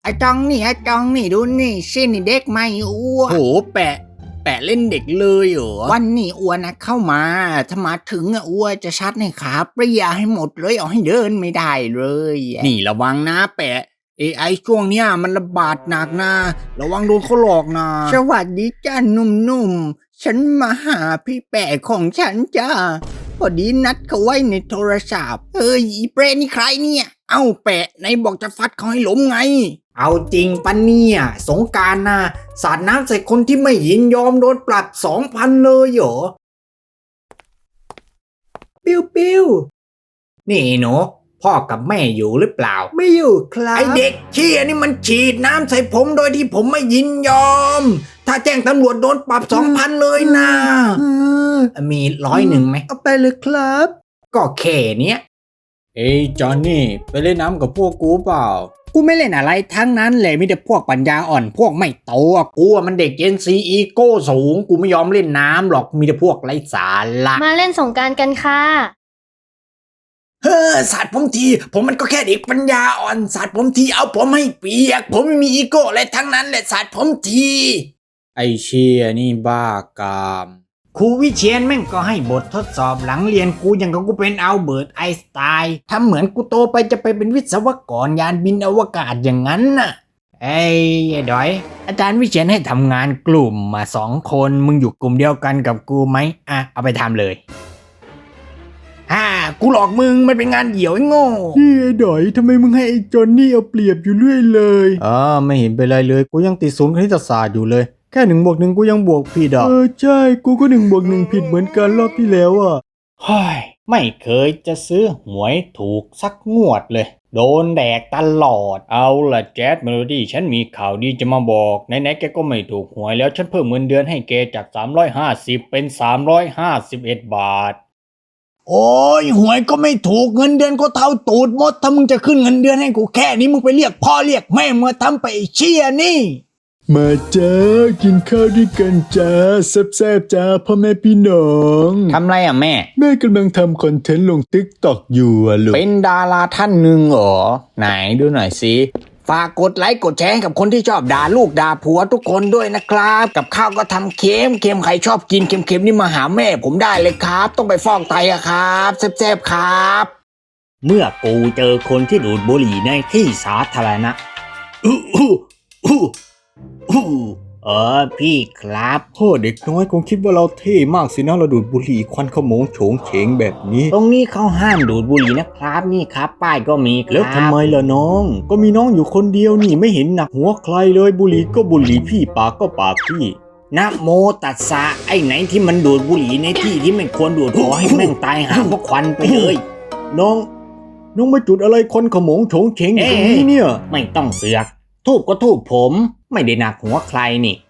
ไอ้จองนี่ดูนี่ชินี่เด็กไม่อ้วนโหแปะเล่นเด็กเลยเหรอวันนี้อ้วนนะเข้ามาถ้ามาถึงอ้วนจะชัดในขาเปรี้ยให้หมดเลยเอาให้เดินไม่ได้เลยนี่ระวังนะแปะ AI ช่วงเนี้ยมันระบาดหนักนะระวังโดนเขาหลอกนะสวัสดีจ้าหนุ่มๆฉันมาหาพี่แปะของฉันจ้าพอดีนัดเขาไว้ในโทรศัพท์อีเปรนี่ใครเนี่ยเอ้าแปะไหนบอกจะฟัดเขาให้ล้มไงเอาจริงปะเนี่ยสงกรานต์นะสาดน้ำใส่คนที่ไม่ยินยอมโดนปรับ 2,000 เลยเหรอปิ้วนี่หนูพ่อกับแม่อยู่หรือเปล่าไม่อยู่ครับไอเด็กเชี่ยนี่มันฉีดน้ำใส่ผมโดยที่ผมไม่ยินยอม ถ้าแจ้งตำรวจโดนปรับ 2,000 เลยนะมี100ไหมเอาไปเลยครับ ก็แค่เนี้ยเอ้ยจอนนี่ไปเล่นน้ำกับพวกกูเปล่ากูไม่เล่นอะไรทั้งนั้นเลยมีแต่พวกปัญญาอ่อนพวกไม่โตกูมันเด็กเจนซีอีโก้สูงกูไม่ยอมเล่นน้ำหรอกมีแต่พวกไร้สาระมาเล่นสงกรานต์กันค่ะสาดผมทีผมมันก็แค่เด็กปัญญาอ่อนสาดผมทีเอาผมให้เปียกผมไม่มีอีโก้อะไรทั้งนั้นแหละสาดผมทีไอเชียนี่บ้ากามครูวิเชียนแม่งก็ให้บททดสอบหลังเรียนกูอย่างกับกูเป็นอัลเบิร์ตไอน์สไตน์ทำเหมือนกูโตไปจะไปเป็นวิศวกรยานบินอวกาศอย่างนั้นน่ะไอ้ดอยอาจารย์วิเชียนให้ทำงานกลุ่มมา2 คนมึงอยู่กลุ่มเดียวกันกับกูไหมเอาไปทำเลยกูหลอกมึงมันเป็นงานเหี่ยวไอ้โง่นี่ไอ้ดอยทำไมมึงให้ไอ้จอนนี่เอาเปรียบอยู่เรื่อยเลยไม่เห็นเป็นไรเลยกูยังติดศูนย์คณิตศาสตร์อยู่เลยแค่1+1กูยังบวกผิดใช่กูก็1+1ผิดเหมือนกันรอบที่แล้วเฮ้ยไม่เคยจะซื้อหวยถูกสักงวดเลยโดนแดกตลอดเอาล่ะแจ๊ดเมโลดี้ฉันมีข่าวดีจะมาบอกไหนๆแกก็ไม่ถูกหวยแล้วฉันเพิ่มเงินเดือนให้แกจาก350เป็น351 บาทโอ้ยหวยก็ไม่ถูกเงินเดือนก็เท่าตูดหมดถ้ามึงจะขึ้นเงินเดือนให้กูแค่นี้มึงไปเรียกพ่อเรียกแม่มาทำไปไอ้เชี่ยนี่มาจ้ากินข้าวด้วยกันจ้าแซ่บๆจ้าพ่อแม่พี่น้องทำไรแม่กำลังทำคอนเทนต์ลง TikTok อยู่ลูกเป็นดาราท่านหนึ่งเหรอไหนดูหน่อยสิฝากกดไลค์กดแชร์ให้กับคนที่ชอบด่าลูกด่าผัวทุกคนด้วยนะครับกับข้าวก็ทำเค็มใครชอบกินเค็มนี่มาหาแม่ผมได้เลยครับต้องไปฟอกไตอะครับแซ่บๆครับเมื่อกูเจอคนที่ดูดบุหรี่ในที่สาธารณะพี่ครับพ่อเด็กน้อยคงคิดว่าเราเท่มากสินะเราดูดบุหรี่ควันขโมงโฉงเฉงแบบนี้ตรงนี้เขาห้ามดูดบุหรี่นะครับนี่ครับป้ายก็มีครับแล้วทำไมล่ะน้องก็มีน้องอยู่คนเดียวนี่ไม่เห็นหนักหัวใครเลยบุหรี่ก็บุหรี่พี่ปากก็ปากพี่นะโมตัสสะไอ้ไหนที่มันดูดบุหรี่ในที่ที่ไม่ควรดูดขอให้แม่งตายหาเพราะควันไปเลยน้องมาจุดอะไรควันขโมงโฉงเฉงอยู่ตรงนี้เนี่ยไม่ต้องเสือกทูบก็ทูบผมไม่ได้หนักหัวใครนี่